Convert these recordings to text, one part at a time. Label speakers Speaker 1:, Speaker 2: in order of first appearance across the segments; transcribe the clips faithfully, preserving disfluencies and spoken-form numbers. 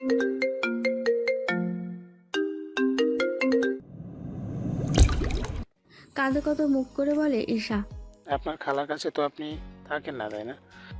Speaker 1: কাঁদো কত মুখ করে বলে ঈশা।
Speaker 2: আপনার খালার কাছে তো আপনি থাকেন না, তাই না?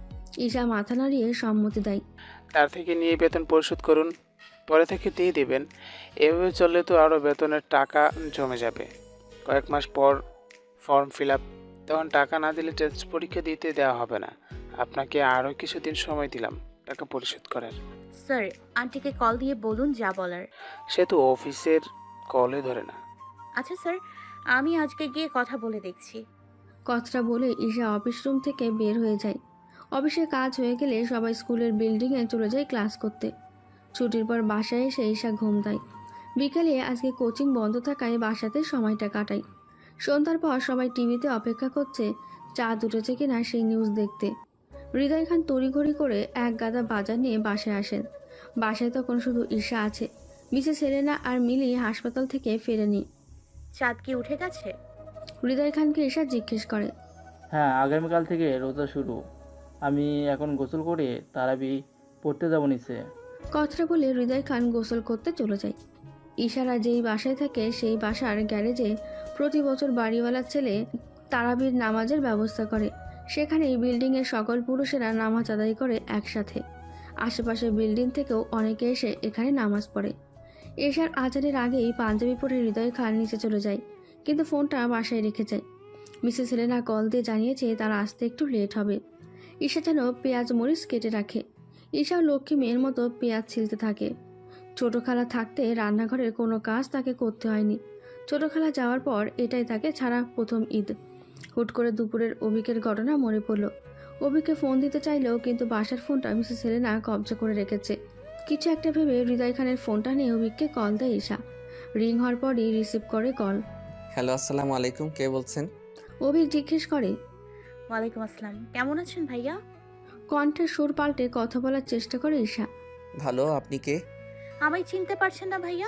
Speaker 1: ঈশা মাথা নাড়িয়ে সম্মতি দেয়।
Speaker 2: তার থেকে নিয়ে বেতন পরিশোধ করুন, পরে থেকে দিয়ে দিবেন। এভাবে চললে তো আরও বেতনের টাকা জমে যাবে। কয়েক মাস পর ফর্ম ফিল আপ, তখন টাকা না দিলে টেস্ট পরীক্ষা দিতে দেওয়া হবে না। আপনাকে আরও কিছুদিন সময় দিলাম টাকা পরিশোধ করার।
Speaker 3: স্যার, আন্টিকে কল দিয়ে বলুন যা বলার।
Speaker 2: সে তো অফিসের কলে ধরে না।
Speaker 3: আচ্ছা স্যার, আমি আজকে গিয়ে কথা বলে দেখছি।
Speaker 1: কথাটা বলে ঈশা অফিস রুম থেকে বের হয়ে যায়। অফিসের কাজ হয়ে গেলে সবাই স্কুলের বিল্ডিংয়ে চলে যায় ক্লাস করতে। ছুটির পর বাসায় এসে ঈশা ঘুম দেয়। বিকেলে আজকে কোচিং বন্ধ থাকায় বাসাতে সময়টা কাটায়। সন্ধ্যার পর সবাই টিভিতে অপেক্ষা করছে চাঁদ উঠেছে কিনা সেই নিউজ দেখতে। হৃদয় খান তড়িঘড়ি করে এক গাদা বাজার নিয়ে বাসায় আসেন। বাসায় তখন শুধু ঈশা আছে। মিসেস হেলেনা আর মিলি হাসপাতাল থেকে ফেরেনি।
Speaker 3: চাঁদ কি উঠে গেছে?
Speaker 1: হৃদয় খানকে ঈশা জিজ্ঞেস করে।
Speaker 4: হ্যাঁ, আগামীকাল থেকে রোজা শুরু। আমি এখন গোসল করে তারাবি পড়তে যাব নিচে।
Speaker 1: কথাটা বলে হৃদয় খান গোসল করতে চলে যায়। ঈশারা যেই বাসায় থাকে সেই বাসার গ্যারেজে প্রতি বছর বাড়িওয়ালার ছেলে তারাবির নামাজের ব্যবস্থা করে। সেখানে বিল্ডিংয়ের সকল পুরুষেরা নামাজ আদায় করে একসাথে। আশেপাশের বিল্ডিং থেকেও অনেকে এসে এখানে নামাজ পড়ে। এশার আজানের আগেই পাঞ্জাবি পরে হৃদয় খান নিচে চলে যায়, কিন্তু ফোনটা বাসায় রেখে যায়। মিসেস হেলেনা কল দিয়ে জানিয়েছে তার আসতে একটু লেট হবে। ঈশা যেন পেঁয়াজ মরিচ কেটে রাখে। ঈশাও লক্ষ্মী মেয়ের মতো পেঁয়াজ ছিলতে থাকে। ছোটো খালা থাকতে রান্নাঘরের কোনো কাজ তাকে করতে হয়নি। ছোটো খালা যাওয়ার পর এটাই তাকে ছাড়া প্রথম ঈদ। হুট করে দুপুরের অভিকের ঘটনা মনে পড়ল। অভিকে ফোন দিতে চাইলেও কিন্তু বাসার ফোনটা মিসেস হেলেনা কবজা করে রেখেছে। কিছু একটা ভেবে হৃদয় খানের ফোনটা নিয়ে অভিককে কল দেয় ঈশা। রিং হওয়ার পরই রিসিভ করে কল।
Speaker 5: হ্যালো, আসসালামু আলাইকুম। কে বলছেন?
Speaker 1: অভিক জিজ্ঞেস করে।
Speaker 3: ওয়ালাইকুম আসসালাম, কেমন আছেন ভাইয়া?
Speaker 1: কণ্ঠের সুর পাল্টে কথা বলার চেষ্টা করে ঈশা।
Speaker 5: ভালো, আপনি কে?
Speaker 3: আমায় চিনতে পারছেন না ভাইয়া?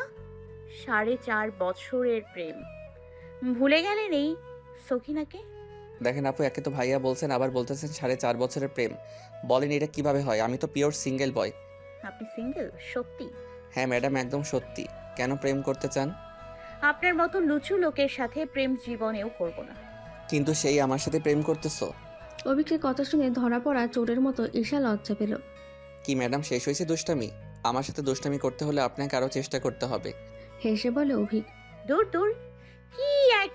Speaker 3: সাড়ে চার বছরের প্রেম ভুলে গেলেন এই সখিনাকে?
Speaker 5: দেখেন আপু, একে তো ভাইয়া বলছেন, আবার বলতেছেন সাড়ে চার বছরের প্রেম। বলেন এটা কিভাবে হয়? আমি তো পিওর সিঙ্গেল বয়।
Speaker 3: আপনি সিঙ্গেল? সত্যি?
Speaker 5: হ্যাঁ ম্যাডাম, একদম সত্যি। কেন প্রেম করতে চান?
Speaker 3: আপনার মতো লুচু লোকের সাথে প্রেম জীবনেও করব না।
Speaker 5: কিন্তু সেই আমার সাথে প্রেম করতেছো?
Speaker 1: অভিকের কথা শুনে ধরা পড়া চোরের মতো ঈশা লজ্জা পেল।
Speaker 5: কি ম্যাডাম, শেষ হয়েছে দুষ্টামি? আমার সাথে দুষ্টামি করতে হলে আপনাকে আরও চেষ্টা করতে হবে।
Speaker 1: হেসে বলে অভিক।
Speaker 3: দূর দূর, কি এক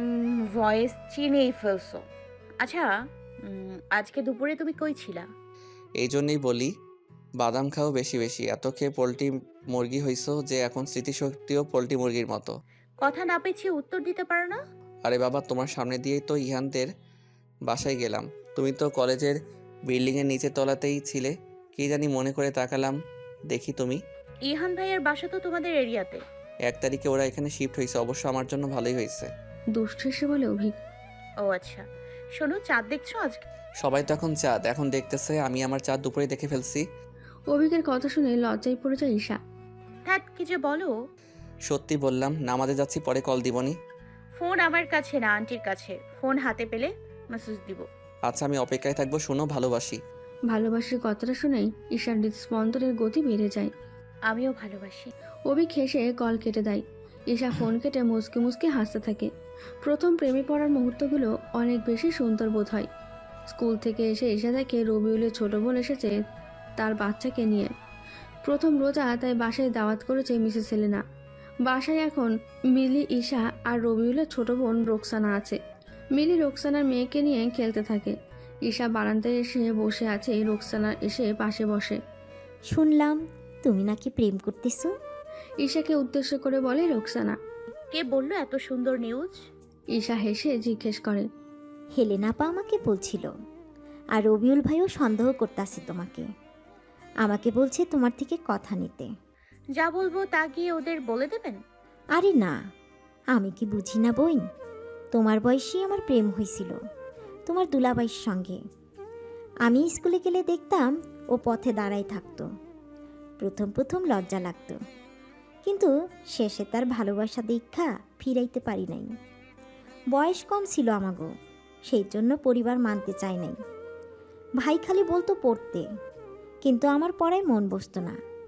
Speaker 3: ভয়েস চিনেই ফেলছো। আচ্ছা, উম, আজকে দুপুরে তুমি কই ছিলা?
Speaker 5: এই জন্যই বলি বাদাম খাও বেশি বেশি। এত খেয়ে পোলট্রি মুরগি হইছো যে এখন স্মৃতিশক্তিও পোলট্রি মুরগির মতো।
Speaker 3: কথা না পেছিয়ে উত্তর দিতে পারো না?
Speaker 5: আরে বাবা, তোমার সামনে দিয়েই তো ইহানদের বাসায় গেলাম। তুমি তো কলেজের বিল্ডিংয়ের নিচের তলাতেই ছিলে। কি জানি মনে করে তাকালাম, দেখি তুমি।
Speaker 3: ইহান ভাইয়ের বাসা তো তোমাদের এরিয়াতে।
Speaker 5: এক তারিখে ওরা এখানে শিফট হয়েছে, অবশ্য আমার জন্য ভালোই হয়েছে।
Speaker 1: দুষ্ট হেসে বলে অভিক।
Speaker 3: ও আচ্ছা, শোনো, চাঁদ দেখছো আজকে?
Speaker 5: সবাই তো এখন চাঁদ এখন দেখতেছে, আমি আমার চাঁদ দুপুরে দেখে ফেলছি।
Speaker 1: অভিকের কথা শুনে লজ্জায় পড়ে যায় ঈশা।
Speaker 3: হ্যাঁ, কি যে বলো।
Speaker 5: সত্যি বললাম, নামাজে যাচ্ছি, পরে কল দিবনি।
Speaker 3: ফোন আমার কাছে না, আন্টির কাছে। ফোন হাতে পেলে মেসেজ দিব।
Speaker 5: আচ্ছা, আমি অপেক্ষায় থাকবো। শোনো, ভালোবাসি।
Speaker 1: ভালোবাসার কথাটা শুনেই ঈশার হৃদস্পন্দনের গতি বেড়ে যায়।
Speaker 3: আমিও ভালোবাসি।
Speaker 1: অভিক হেসে কল কেটে দেয়। ঈশা ফোন কেটে মুসকে মুসকে হাসতে থাকে। প্রথম প্রেমে পড়ার মুহূর্তগুলো অনেক বেশি সুন্দর বোধ হয়। স্কুল থেকে এসে ঈশা দেখে রবিউলের ছোট বোন এসেছে তার বাচ্চাকে নিয়ে। প্রথম রোজা তাই বাসায় দাওয়াত করেছে মিসেস হেলেনা। বাসায় এখন মিলি, ঈশা আর রবিউলের ছোট বোন রোকসানা আছে। মিলি রোকসানার মেয়েকে নিয়ে খেলতে থাকে। ঈশা বারান্দায় এসে বসে আছে, রোকসানা এসে পাশে বসে।
Speaker 6: শুনলাম তুমি নাকি প্রেম করতেছো।
Speaker 1: ঈশাকে উদ্দেশ্য করে বলে রোকসানা।
Speaker 3: কে বললো এত সুন্দর নিউজ?
Speaker 1: ঈশা হেসে জিজ্ঞেস করে।
Speaker 6: হেলেনা আপা আমাকে বলছিল, আর রবিউল ভাইও সন্দেহ করতেছে তোমাকে। আমাকে বলছে তোমার থেকে কথা নিতে।
Speaker 3: যা বলবো তা গিয়ে ওদের বলে দেবেন?
Speaker 6: আরে না, আমি কি বুঝি না বইন? তোমার বয়সী আমার প্রেম হয়েছিল তোমার দুলাবাইয়ের সঙ্গে। আমি স্কুলে গেলে দেখতাম ও পথে দাঁড়াই থাকতো। প্রথম প্রথম লজ্জা লাগতো, কিন্তু শেষে তার ভালোবাসা দীক্ষা ফিরাইতে পারি নাই। বয়স কম ছিল আমাগো, সেই জন্য পরিবার মানতে চায় নাই। ভাই খালি বলতো পড়তে, কিন্তু আমার পড়ায় মন বসতো না,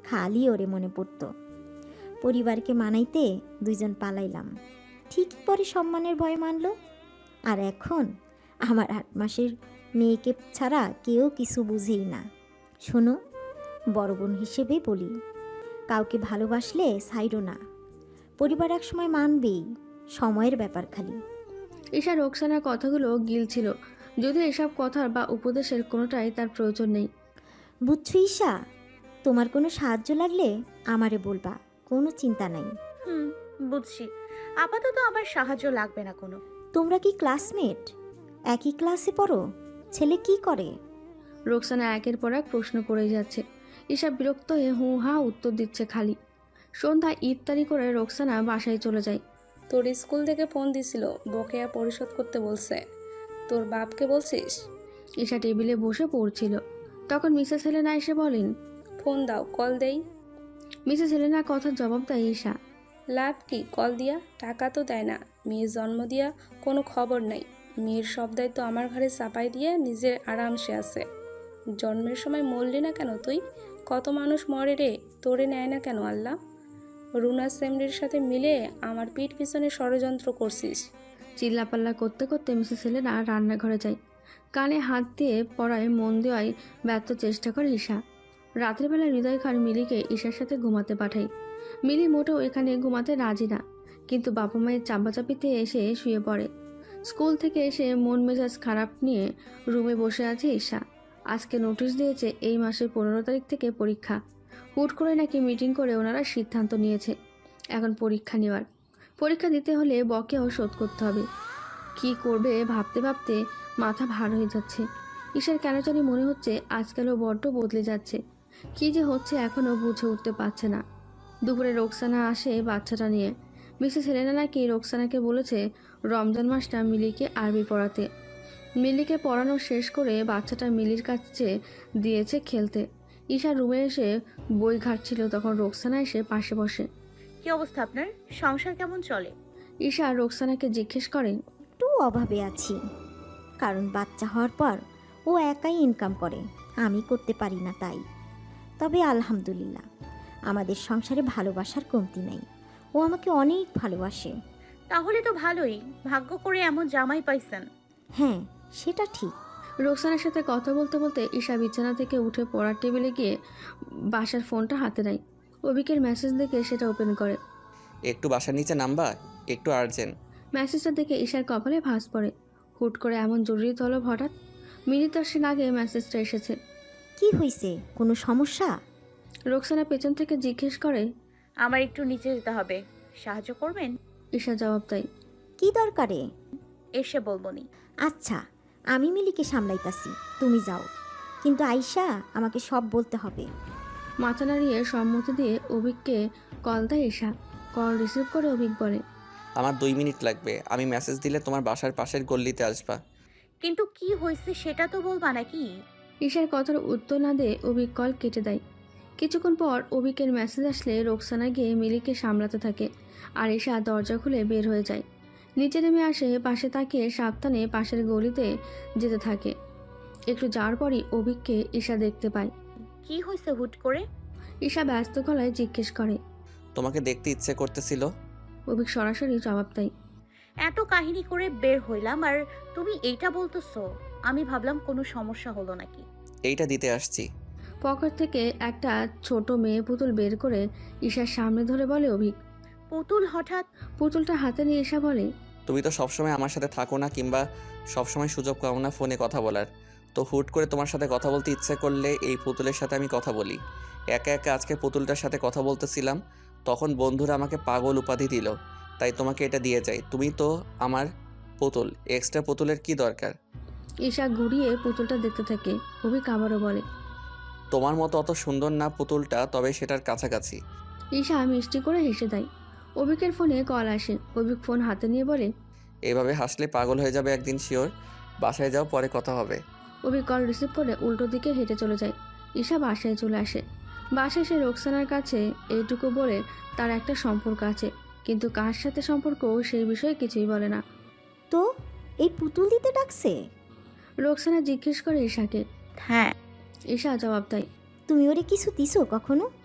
Speaker 6: খালি ওরে মনে পড়তো। পরিবারকে মানাইতে দুইজন পালাইলাম, ঠিক পরে সম্মানের ভয়ে মানলো। আর এখন আমার আট মাসের মেয়েকে ছাড়া কেউ কিছু বুঝেই না। শোনো, বড় বোন হিসেবে বলি, কাউকে ভালোবাসলে ছাইরো না। পরিবার এক সময় মানবেই, সময়ের ব্যাপার খালি।
Speaker 1: ঈশা রোকসানার কথাগুলো গিলছিল, যদিও এসব কথার বা উপদেশের কোনোটাই তার প্রয়োজন নেই।
Speaker 6: বুঝছো ঈশা, তোমার কোনো সাহায্য লাগলে আমারে বলবা, কোনো চিন্তা নাই।
Speaker 3: হুম, বুঝছি। আপাতত আমার সাহায্য লাগবে না কোনো।
Speaker 6: তোমরা কি ক্লাসমেট? একই ক্লাসে পড়ো? ছেলে কি করে?
Speaker 1: রোকসানা একের পর এক প্রশ্ন করেই যাচ্ছে। ঈশা বিরক্ত হয়ে হু হা উত্তর দিচ্ছে খালি। সন্ধ্যায় ইফতারি করে রোকসানা বাসায় চলে যায়।
Speaker 7: তোর স্কুল থেকে ফোন দিছিল, বকেয়া পরিশোধ করতে বলছে। তোর বাপকে বলছিস?
Speaker 1: ঈশা টেবিলে বসে পড়ছিল, তখন মিসেস হেলেনা এসে বলেন।
Speaker 7: ফোন দাও, কল দেই।
Speaker 1: মিসেস হেলেনার কথার জবাব দেয় ঈশা।
Speaker 7: লাভ কি কল দিয়া? টাকা তো দেয় না। মেয়ের জন্ম দিয়া কোনো খবর নাই। মেয়ের সব দায়িত্ব আমার ঘরে চাপাই দিয়ে নিজের আরামসে আছে। জন্মের সময় মরলি না কেন তুই? কত মানুষ মরে রে, তোরে নেয় না কেন আল্লাহ? রুনা সেমরির সাথে মিলে আমার পিঠ পিছনে ষড়যন্ত্র করছিস।
Speaker 1: চিল্লাপাল্লা করতে করতে মিসেস হেলেনা রান্নাঘরে যায়। কানে হাত দিয়ে পড়ায় মন দেওয়ায় ব্যর্থ চেষ্টা করে ঈশা। রাতের বেলা হৃদয় খান মিলিকে ঈশার সাথে ঘুমাতে পাঠায়। মিলি মোটেও এখানে ঘুমাতে রাজি না, কিন্তু বাবা মায়ের চাপাচাপিতে এসে শুয়ে পড়ে। স্কুল থেকে এসে মন মেজাজ খারাপ নিয়ে রুমে বসে আছে ঈশা। আজকে নোটিশ দিয়েছে এই মাসের পনেরো তারিখ থেকে পরীক্ষা। হুট করে নাকি মিটিং করে ওনারা সিদ্ধান্ত নিয়েছে এখন পরীক্ষা নেওয়ার। পরীক্ষা দিতে হলে বকেও শোধ করতে হবে। কি করবে ভাবতে ভাবতে মাথা ভার হয়ে যাচ্ছে। ঈশার কেন জানি মনে হচ্ছে আজকালও বড্ড বদলে যাচ্ছে। কি যে হচ্ছে এখনও বুঝে উঠতে পারছে না। দুপুরে রোকসানা আসে বাচ্চাটা নিয়ে। মিসেস হেলেনা নাকি রোকসানাকে বলেছে রমজান মাসটা মিলিকে আরবি পড়াতে। মিলিকে পড়ানো শেষ করে বাচ্চাটা মিলির কাছে দিয়েছে খেলতে। ঈশা রুমে এসে বই ঘাটছিল, তখন রোকসানা এসে পাশে বসে।
Speaker 3: কি অবস্থা আপনার? সংসার কেমন চলে?
Speaker 1: ঈশা রোকসানাকে জিজ্ঞেস করে।
Speaker 6: একটু অভাবে আছি, কারণ বাচ্চা হওয়ার পর ও একাই ইনকাম করে, আমি করতে পারি না তাই। তবে আলহামদুলিল্লাহ, আমাদের সংসারে ভালোবাসার কমতি নাই। ও আমাকে অনেক ভালোবাসে।
Speaker 3: তাহলে তো ভালোই, ভাগ্য করে এমন জামাই পাইছেন।
Speaker 6: হ্যাঁ, সেটা ঠিক।
Speaker 1: রোকসানার সাথে কথা বলতে বলতে ঈশা বিছানা থেকে উঠে পড়ার টেবিলে গিয়ে বাসার ফোনটা হাতে নেয়। অভিকের মেসেজ দেখে সেটা ওপেন করে।
Speaker 5: একটু বাসার নিচে নামবা, একটু আর্জেন্ট।
Speaker 1: মেসেজটা দেখে ঈশার কপালে ভাঁজ পড়ে। হুট করে এমন জরুরি তলব হঠাৎ? মিনিট দশেক আগে মেসেজটা এসেছে।
Speaker 6: কি হয়েছে, কোনো সমস্যা?
Speaker 1: রোকসানা পেছন থেকে জিজ্ঞেস করে।
Speaker 3: আমার একটু নিচে যেতে হবে, সাহায্য করবেন?
Speaker 1: ঈশা জবাব দেয়।
Speaker 6: কি দরকারে?
Speaker 3: এসে বলবনি।
Speaker 6: আচ্ছা, আমি মিলিকে সামলাইতাছি, তুমি যাও। কিন্তু আয়শা, আমাকে সব বলতে হবে।
Speaker 1: মাথা নাড়িয়ে সম্মতি দিয়ে অভিককে কল দেয় ঈশা। কল রিসিভ করে অভিক বলে।
Speaker 5: আমার দুই মিনিট লাগবে, আমি মেসেজ দিলে তোমার বাসার পাশের গল্লিতে আসবা।
Speaker 3: কিন্তু কি হয়েছে সেটা তো বলবা নাকি?
Speaker 1: ঈশার কথার উত্তর না দিয়ে অভিক কল কেটে দেয়। কিছুক্ষণ পর অভিকের মেসেজ আসলে রোকসানা গিয়ে মিলিকে সামলাতে থাকে, আর ঈশা দরজা খুলে বের হয়ে যায়। নিচে নেমে আসে, পাশে তাকিয়ে সাবধানে পাশের গলিতে যেতে থাকে। একটু যাওয়ার পরই অভিককে ঈশা দেখতে পায়।
Speaker 3: কি হয়েছে হুট করে?
Speaker 1: ঈশা ব্যস্ত গলায় জিজ্ঞেস করে।
Speaker 5: তোমাকে দেখতে ইচ্ছে করতেছিল।
Speaker 1: অভিক সরাসরি জবাব দেয়।
Speaker 3: এত কাহিনী করে বের হইলাম আর তুমি এইটা বলতেছো? আমি ভাবলাম কোনো সমস্যা হলো নাকি।
Speaker 5: এইটা দিতে আসছি।
Speaker 1: পকেট থেকে একটা ছোট মেয়ে পুতুল বের করে ঈশার সামনে ধরে বলে অভিক।
Speaker 3: পুতুল হঠাৎ?
Speaker 1: পুতুলটা হাতে নিয়ে ঈশা বলে।
Speaker 5: তুমি তো সবসময় আমার সাথে থাকো না, কিংবা সবসময় সুযোগ পাও না ফোনে কথা বলার। তো হুট করে তোমার সাথে কথা বলতে ইচ্ছে করলে এই পুতুলের সাথে আমি কথা বলি। একা একা আজকে পুতুলটার সাথে কথা বলতেছিলাম, তখন বন্ধুরা আমাকে পাগল উপাধি দিল, তাই তোমাকে এটা দিয়ে যাই। তুমি তো আমার পুতুল, এক্সট্রা পুতুলের কি দরকার?
Speaker 1: ঈশা ঘুরিয়ে পুতুলটা দেখতে থাকে। অভিক আবারও বলে।
Speaker 5: তোমার মতো অত সুন্দর না পুতুলটা, তবে সেটার কাছাকাছি।
Speaker 1: ঈশা মিষ্টি করে হেসে দেয়। অভিকের ফোনে কল আসে। অভিক ফোন হাতে নিয়ে বলে।
Speaker 5: এভাবে হাসলে পাগল হয়ে যাবে একদিন শিওর। বাসায় যাও, পরে কথা হবে।
Speaker 1: অভিক কল রিসিভ করে উল্টো দিকে হেঁটে চলে যায়। ঈশা বাসায় চলে আসে। বাসায় সে রোকসানার কাছে এইটুকু বলে তার একটা সম্পর্ক আছে, কিন্তু কার সাথে সম্পর্ক সেই বিষয়ে কিছুই বলে না।
Speaker 6: তো এই পুতুল দিতে ডাকছে?
Speaker 1: রোকসানা জিজ্ঞেস করে ঈশাকে।
Speaker 3: হ্যাঁ।
Speaker 1: ঈশা জবাব দেয়।
Speaker 6: তুমি ওরে কিছু দিছো কখনো?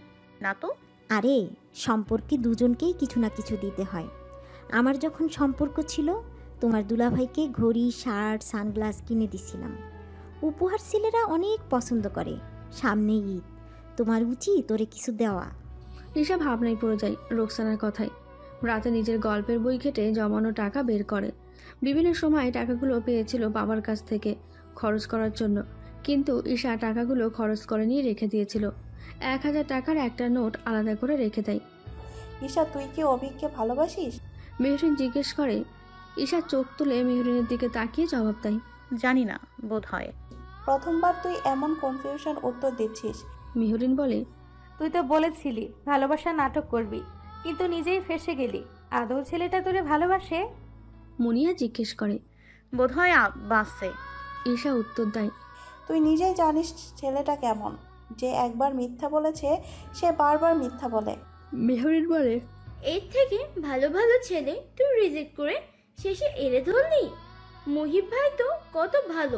Speaker 3: না তো।
Speaker 6: আরে সম্পর্কে দুজনকেই কিছু না কিছু দিতে হয়। আমার যখন সম্পর্ক ছিল তোমার দুলাভাইকে ঘড়ি, শার্ট, সানগ্লাস কিনে দিছিলাম। উপহার ছেলেরা অনেক পছন্দ করে। সামনে ঈদ, তোমার উচিত ওরে কিছু দেওয়া।
Speaker 1: ঈশা ভাবনায় পড়ে যায় রোকসানার কথায়। রাতে নিজের গল্পের বই ঘেটে জমানো টাকা বের করে। বিভিন্ন সময় টাকাগুলো পেয়েছিল বাবার কাছ থেকে খরচ করার জন্য, কিন্তু ঈশা টাকাগুলো খরচ করে নিয়ে রেখে দিয়েছিল। এক হাজার টাকার একটা নোট আলাদা করে রেখে দেয়।
Speaker 8: ঈশা, তুই কি অভিককে ভালোবাসিস?
Speaker 1: মেহরিন জিজ্ঞেস করে। ঈশা চোখ তুলে মেহরিনের দিকে তাকিয়ে জবাব দেয়,
Speaker 3: জানি না, বোধ হয়।
Speaker 8: প্রথমবার তুই এমন কনফিউশন উত্তর দিচ্ছিস।
Speaker 1: মেহরিন বলে,
Speaker 9: তুই তো বলেছিলি ভালোবাসা নাটক করবি, কিন্তু নিজেই ফেসে গেলি। আদৌ ছেলেটা তোরে ভালোবাসে?
Speaker 1: মুনিয়া জিজ্ঞেস করে।
Speaker 3: বোধ হয় বাসে।
Speaker 1: ঈশা উত্তর দেয়,
Speaker 8: তুই নিজেই জানিস ছেলেটা কেমন। যে একবার মিথ্যা বলেছে সে বারবার মিথ্যা বলে।
Speaker 1: মেহরিন বলে,
Speaker 10: এর থেকে ভালো ভালো ছেলে তুই রিজেক্ট করে শেষে এড়ে ধরলি। মহিব ভাই তো কত ভালো,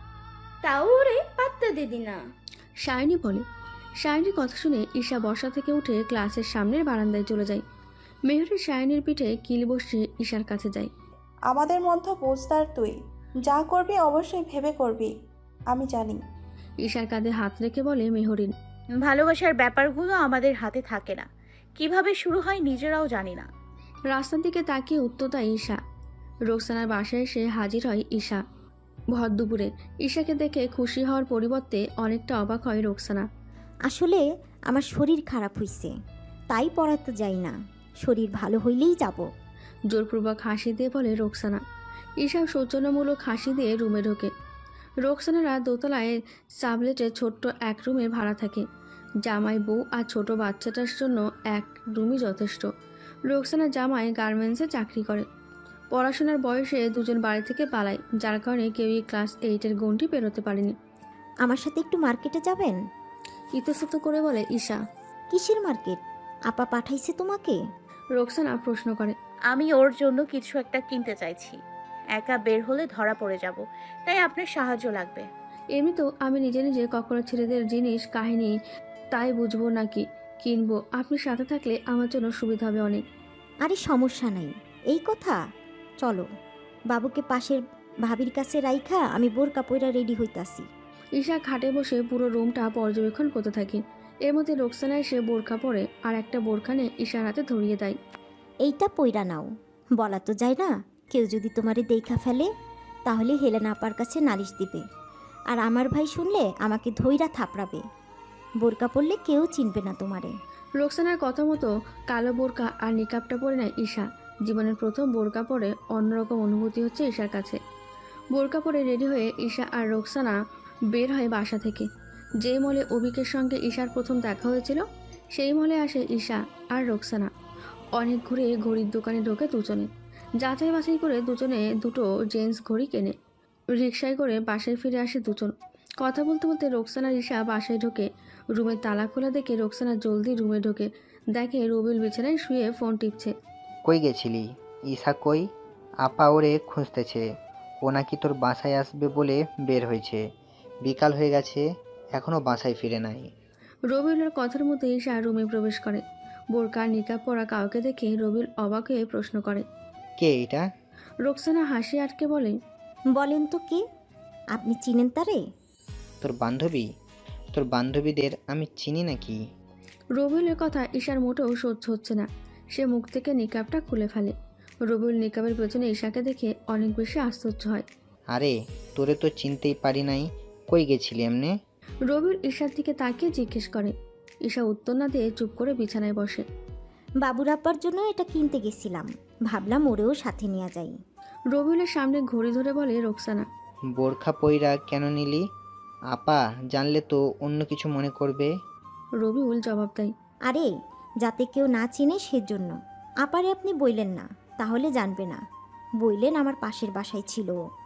Speaker 10: তাও ওরে পাত্তা দিদি না।
Speaker 1: শায়নি বলে। শায়নির কথা শুনে ঈশা বসা থেকে উঠে ক্লাসের সামনের বারান্দায় চলে যায়। মেহরিন শায়নির পিঠে কিল বসিয়ে ঈশার কাছে যায়।
Speaker 8: আমাদের মধ্যে বুঝদার তুই, যা করবি অবশ্যই ভেবে করবি, আমি জানি।
Speaker 1: ঈশার কাঁধে হাত রেখে বলে মেহরিন,
Speaker 3: ভালোবাসার ব্যাপারগুলো আমাদের হাতে থাকে না, কিভাবে শুরু হয় নিজেরাও জানি না।
Speaker 1: রাস্তার দিকে তাকিয়ে উত্তর দেয় ঈশা। রোকসানার বাসায় এসে হাজির হয় ঈশা। ভর দুপুরে ঈশাকে দেখে খুশি হওয়ার পরিবর্তে অনেকটা অবাক হয় রোকসানা।
Speaker 6: আসলে আমার শরীর খারাপ হইছে, তাই পড়াতে যাই না। শরীর ভালো হইলেই যাব।
Speaker 1: জোরপূর্বক হাসি দিয়ে বলে রোকসানা। ঈশা সৌজন্যমূলক হাসি দিয়ে রুমে ঢোকে। রোকসানারা দোতলায় সাবলেটে ছোট্ট এক রুমে ভাড়া থাকে। জামাই, বউ আর ছোট বাচ্চাটার জন্য এক রুমই যথেষ্ট। রোকসানা জামাই গার্মেন্টসে চাকরি করে। পড়াশোনার বয়সে দুজন বাড়ি থেকে পালায়, যার কারণে কেউই ক্লাস এইটের গণ্ডি পেরোতে পারেনি।
Speaker 6: আমার সাথে একটু মার্কেটে যাবেন?
Speaker 1: ইতস্তত করে বলে ঈশা।
Speaker 6: কিসের মার্কেট? আপা পাঠাইছে তোমাকে?
Speaker 1: রোকসানা প্রশ্ন করে।
Speaker 3: আমি ওর জন্য কিছু একটা কিনতে চাইছি। একা বের হলে ধরা পড়ে যাব, তাই আপনার সাহায্য লাগবে।
Speaker 1: এমনিতেও আমি নিজে নিজে কখনো ছেলেদের জিনিস কাহিনী তাই বুঝবো নাকি কিনবো। আপনি সাথে থাকলে আমার জন্য সুবিধা হবে অনেক।
Speaker 6: আরে সমস্যা নাই, এই কথা। চলো, বাবুকে পাশের ভাবির কাছে রাইখা আমি বোরকা পইরা রেডি হইতাছি।
Speaker 1: ঈশা খাটে বসে পুরো রুমটা পর্যবেক্ষণ করতে থাকে। এর মধ্যে রোকসানা এসে বোরখা পরে আর একটা বোরখা নিয়ে ঈশার হাতে ধরিয়ে দেয়।
Speaker 6: এইটা পইরা নাও। বলা তো যায় না, কেউ যদি তোমারে দেখা ফেলে তাহলে হেলেনা আপার কাছে নালিশ দিবে, আর আমার ভাই শুনলে আমাকে ধইরা থাপড়াবে। বোরকা পরলে কেউ চিনবে না তোমারে।
Speaker 1: রোকসানার কথা মতো কালো বোরকা আর নিকাবটা পরে নেয় ঈশা। জীবনের প্রথম বোরকা পরে অন্যরকম অনুভূতি হচ্ছে ঈশার কাছে। বোরকা পরে রেডি হয়ে ঈশা আর রোকসানা বের হয় বাসা থেকে। যে মলে অভিকের সঙ্গে ঈশার প্রথম দেখা হয়েছিল সেই মলে আসে ঈশা আর রোকসানা। অনেক ঘুরে ঘড়ির দোকানে ঢোকে দুজনে। যাচাই বাছাই করে দুজনে দুটো জেন্টস ঘড়ি কেনে। রিকশায় করে বাসায় ফিরে আসে দুজন। কথা বলতে বলতে রোকসানার ঈশা বাসায় ঢোকে। রুমের তালা খোলা দেখে রোকসানা জলদি রুমে ঢোকে। দেখে রবিল বিছানায় শুয়ে ফোন টিপছে।
Speaker 11: কই গেছিলি? ঈশা কই? আপা ওরে খুঁজতেছে। ও নাকি তোর বাসায় আসবে বলে বের হয়েছে। বিকাল হয়ে গেছে, এখনও বাসায় ফিরে নাই।
Speaker 1: রবিউলের কথার মধ্যে ঈশা রুমে প্রবেশ করে। বোরকা নিকাব পরা কাউকে দেখে রবিউল অবাক হয়ে প্রশ্ন করে,
Speaker 11: কে এটা?
Speaker 1: রোকসানা হাসি আটকে বলে,
Speaker 6: বলেন তো কে? আপনি চিনেন তারে?
Speaker 11: তোর বান্ধবী? তোর বান্ধবীদের আমি চিনি নাকি?
Speaker 1: রবিউলের কথা ঈশার মোটেও সহ্য হচ্ছে না। সে মুখ থেকে নিকাবটা খুলে ফেলে। রবিউল নিকাবের পেছনে ঈশাকে দেখে অনেক বেশি আশ্চর্য হয়।
Speaker 11: আরে তোরে তো চিনতেই পারি নাই, কই গেছিলি এমনে?
Speaker 1: রবিউল ঈশার দিকে তাকিয়ে জিজ্ঞেস করে। ঈশা উত্তর না দিয়ে চুপ করে বিছানায় বসে।
Speaker 6: বাবুর আব্বার জন্য এটা কিনতে গেছিলাম, ভাবলাম ওরেও সাথে নিয়ে যাই।
Speaker 1: রবিউলের সামনে ঘড়ি ধরে বলে রোকসানা,
Speaker 11: বোরখা পইরা কেন নিলি? আপা জানলে তো অন্য কিছু মনে করবে।
Speaker 1: রবিউল জবাব দেয়,
Speaker 6: আরে যাতে কেউ না চিনে সেজন্য। আপারে আপনি বইলেন না, তাহলে জানবে না। বইলেন আমার পাশের বাসায় ছিল।